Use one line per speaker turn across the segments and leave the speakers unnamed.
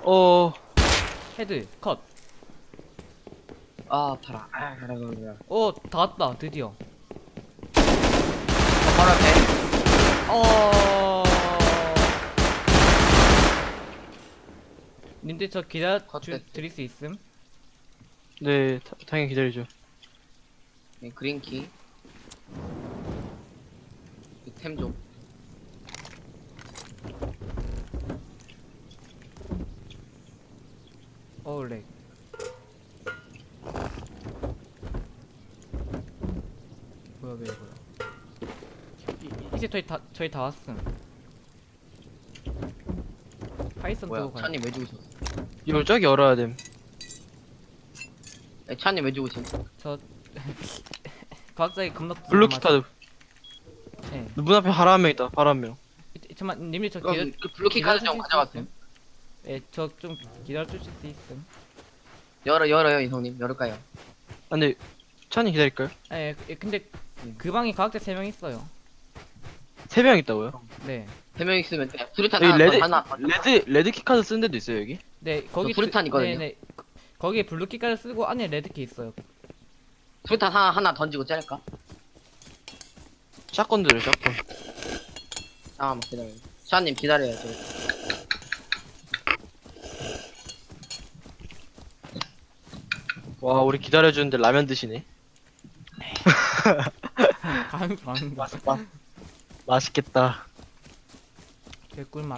어,
헤드 컷.
아, 봐라. 아, 가라.
다 왔다 드디어.
바로 앞에.
어. 님들 저 기다려
컷됐어.
드릴 수 있음?
네, 당연히 기다리죠.
네, 그린키. 템 좀.
렉. 뭐야 왜 이거야? 이제 저희 다 왔음. 파이썬
뭐야,
두고 가요.
차님 왜 죽으셨어?
이걸 저기 열어야 됨.
네, 차님 왜 죽으신?
저 과학자의 겁나
블루키 카드.
네.
문 앞에 하라 한 명 있다. 하라 한 명.
잠깐만 님들 저
그럼 그 블루키 카드 좀 가져갔음.
네, 저 좀 기다려 주실 수 있음?
열어요, 이성님. 열을까요?
아, 근데 찬이 기다릴까요?
네, 근데 그 방에 과학자 3명 있어요.
3명 있다고요?
네.
3명 있으면 돼. 수류탄
여기
하나.
레드 키 카드 쓴 데도 있어요 여기?
네, 거기
수류탄 있거든요.
네네. 거기에 블루키까지 쓰고 안에 레드키 있어요.
수류탄 하나 던지고 짤까?
샷건 들어요 샷건.
잠깐만 기다려요. 차님 기다려야죠.
와 우리 기다려주는데 라면 드시네.
가는 거.
맛있겠다.
개꿀맛.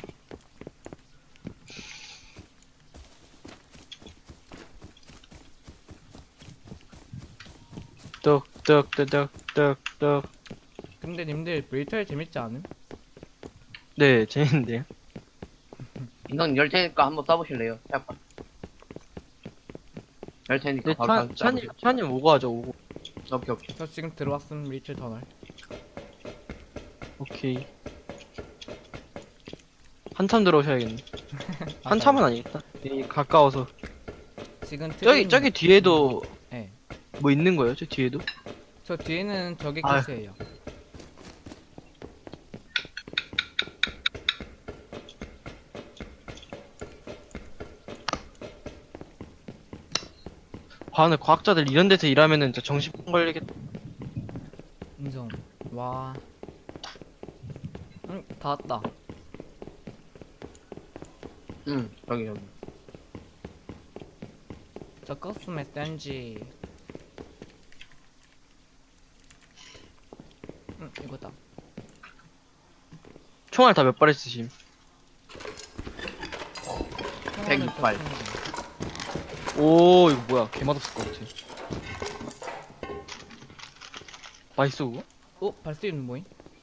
떡떡떡떡떡떡.
근데 님들 브리털 재밌지 않음?
네 재밌는데요.
이성 열 테니까 한번 써보실래요? 잠깐. 열 테니까
근데
바로
찬님 오고 하죠 오고.
오케이.
저 지금 들어왔음 리틀 터널.
오케이. 한참 들어오셔야겠네. 한참은 아니겠다. 가까워서.
지금
저기 뒤에도
네.
뭐 있는 거예요? 저 뒤에도?
저 뒤에는 저게
아유.
캐스예요.
아 근데 과학자들 이런 데서 일하면은 진짜 정신병 걸리겠다.
인정. 와. 응, 다 왔다.
응, 여기.
저 커스텀 SNG. 응, 이거다.
총알 다 몇 발 있으심?
106발.
오 이거 뭐야 개맛없을 것 같아. 맛있어 그거?
발수있는 뭐임?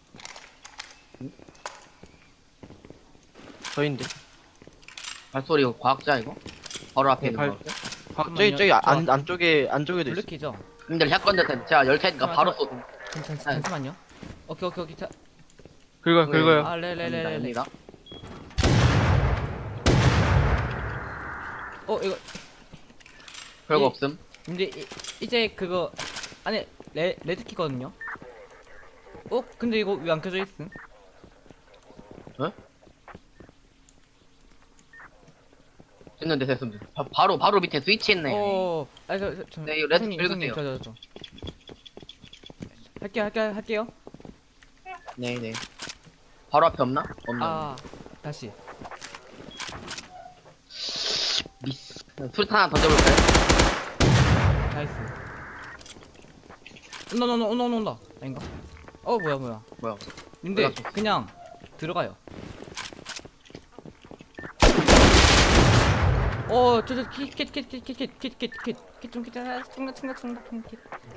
저인데.
발소리 과학자 이거? 바로 앞에 있는 거.
저기 안쪽에도 있어.
블루키죠?
님들 샷건 대탄 제가 열 테니까 바로 쏘.
잠시만요. 오케이. 자,
긁어요.
아, 네네네네.
됩니다.
이거.
별거
예.
없음.
근데 이제 그거 안에 레드키거든요. 근데 이거 왜 안 켜져 있음?
됐는데 됐음. 바로 밑에 스위치 있네.
네,
이거 레드
이성님,
긁으세요.
저. 할게요.
네네. 바로 앞에 없나? 없나?
아, 다시.
미스. 수류탄 하나 던져볼까요?
나이스. 온다. 아닌가? 뭐야.
뭐야?
근데
올라갔어.
그냥 들어가요. 저저 kit좀 충격.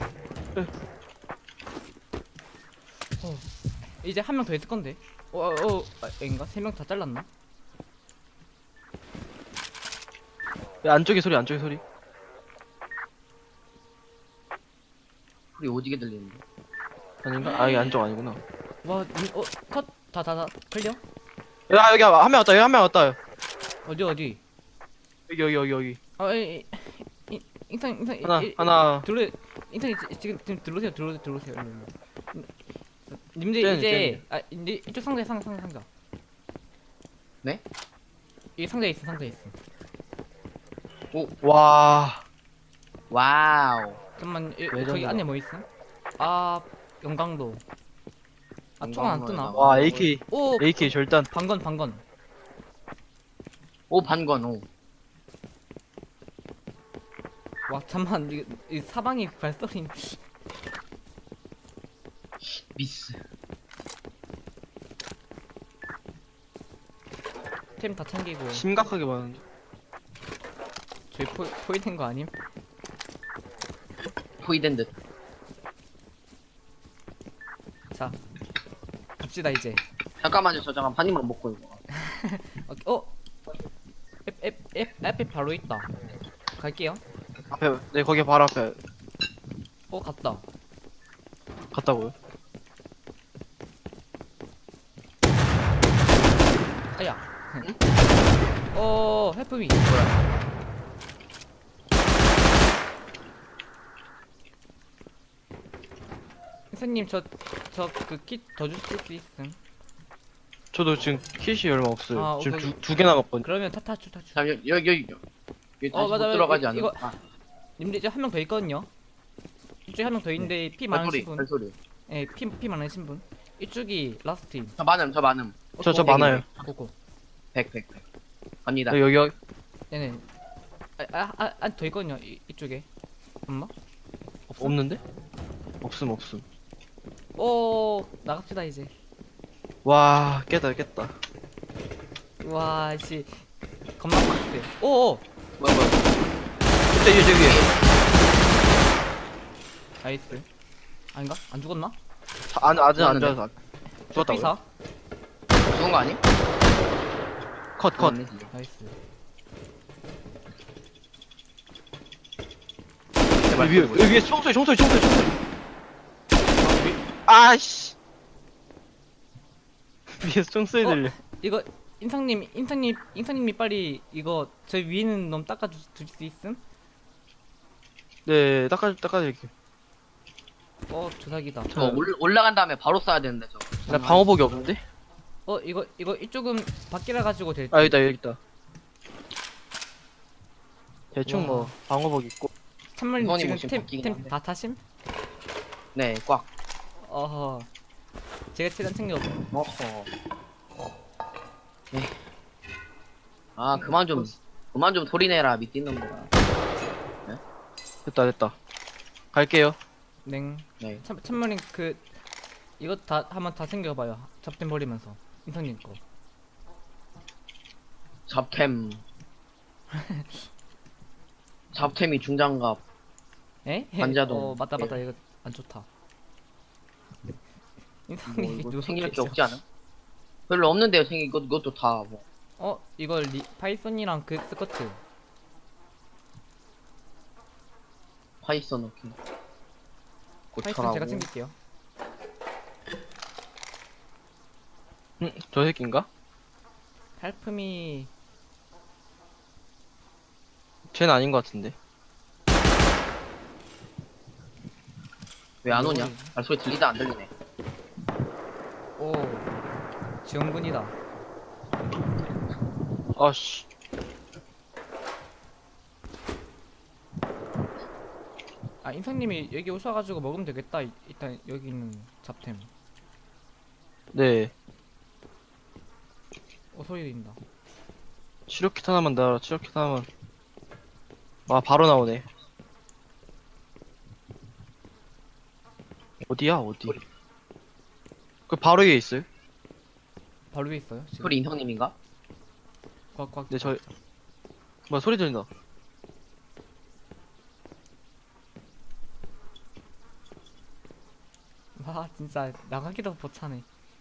이제 한 명 더 있을 건데. 인가? 3명 다 잘랐나?
야, 안쪽에 소리.
소리 오지게 들리는데.
아닌가? 아 이게 안쪽 아니구나.
컷 다 클리어?
야 여기 한 명 왔다.
어디?
여기.
인상
하나.
인상 지금 들어오세요. 님들
쟤는.
이제 이쪽 상자.
네?
이 상자 있어.
와.
와우.
잠깐만 저기
레전드다.
안에 뭐 있음? 아 영광도. 아 총 안 뜨나?
영광로에다가.
와, AK.
오
AK 절단.
방건.
오, 반건, 오.
와 잠만 이 사방이 발소리.
미스.
템 다 챙기고.
심각하게 많은데.
저희 포위된 거 아님?
포이된 듯.
자 갑시다 이제.
잠깐만요, 저 잠깐 한 입만 먹고 이거.
앞에 바로 있다. 갈게요.
앞에, 네, 거기 바로 앞에
갔다.
갔다고요.
아야.
응?
해프미. 선생님 저 그 킷 더 주실 수 있음?
저도 지금 킷이 얼마 없어요.
아,
지금
오케이.
두 개 남았거든요.
그러면 타추.
자, 여기 다시 못
맞아,
들어가지 않나?
이거-
아,
님들 이제 한 명 더 있거든요. 이쪽에 한 명 더 있는데 피
발소리,
많으신 분.
발소리.
예, 피 많으신 분. 이쪽이 라스트 팀.
저 많음.
저 많아요.
고고.
100. 갑니다.
네, 여기
네네. 더 있거든요. 이쪽에. 엄마?
없는데? 없음.
나갑시다 이제.
와, 깼다.
와, 씨. 겁나 빡세. 오.
뭐야.
저기.
나이스. 아닌가? 안 죽었나?
아직 안
죽었는데.
죽었어. 죽었다고요?
피사.
죽은 거 아니?
컷.
죽었네, 진짜.
나이스.
제발
위에 총소리. 아씨. 위에서 총소리 들려.
이거 인상님이 빨리 이거 저 위에 있는 놈 주실 수 있음?
네, 닦아드릴게요.
조사기다.
저 올라간 다음에 바로 쏴야 되는데 저.
나 방어복이 없는데?
이거 이쪽은 밖이라 가지고 될.
아, 여기 있다. 대충
와.
뭐 방어복 있고.
참말님
이건이
지금
뭐 지금 바뀌긴
템
한데.
다 타심?
네, 꽉.
어허. 제가 최대한 챙겨.
어허. 아, 그만 좀 소리내라, 밑에 있는 거라.
됐다. 갈게요.
냉.
네.
참말님 이거 한번 다 챙겨봐요. 잡템 버리면서 인상님 거.
잡템이 중장갑.
에?
관자동.
맞다
예.
이거 안 좋다.
뭐
인상님이
이거
누가
챙길 게
그랬죠?
없지 않아? 별로 없는데요, 챙길 이것도 다 뭐.
이거 파이썬이랑 그 스커트.
파이썬 넣기.
파이썬 제가 챙길게요.
저 새끼인가?
헬프미.
쟤는
아닌 것 같은데.
왜 안 오냐?
뭐지?
발소리 들리다 안 들리네.
오. 지원군이다.
아씨.
인상님이 여기 오셔가지고 먹으면 되겠다. 일단 여기 있는 잡템.
네.
소리 들린다.
치료킷 하나만 나와라. 치료킷 하나만. 와, 바로 나오네. 어디야? 어디? 그 바로 위에 있어요?
바로 위에 있어요. 지금.
소리 인성님인가?
꽉꽉.
네, 뭐야, 소리 들린다.
와 진짜 나가기도 벅차네.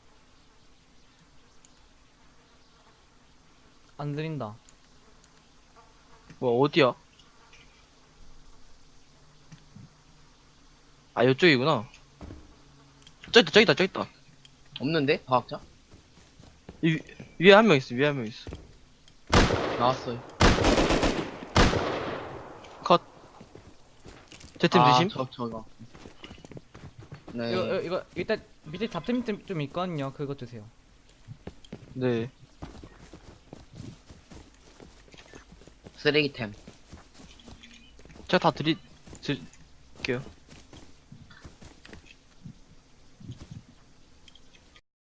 안 들린다.
뭐야, 어디야? 아, 이쪽이구나. 저기 있다.
없는데? 과학자?
위에 한 명 있어.
나왔어요.
컷. 제 팀 드심?
저거. 네.
이거 일단 밑에 잡템 좀 있거든요. 그거 드세요.
네.
쓰레기템.
제가 다 드릴게요.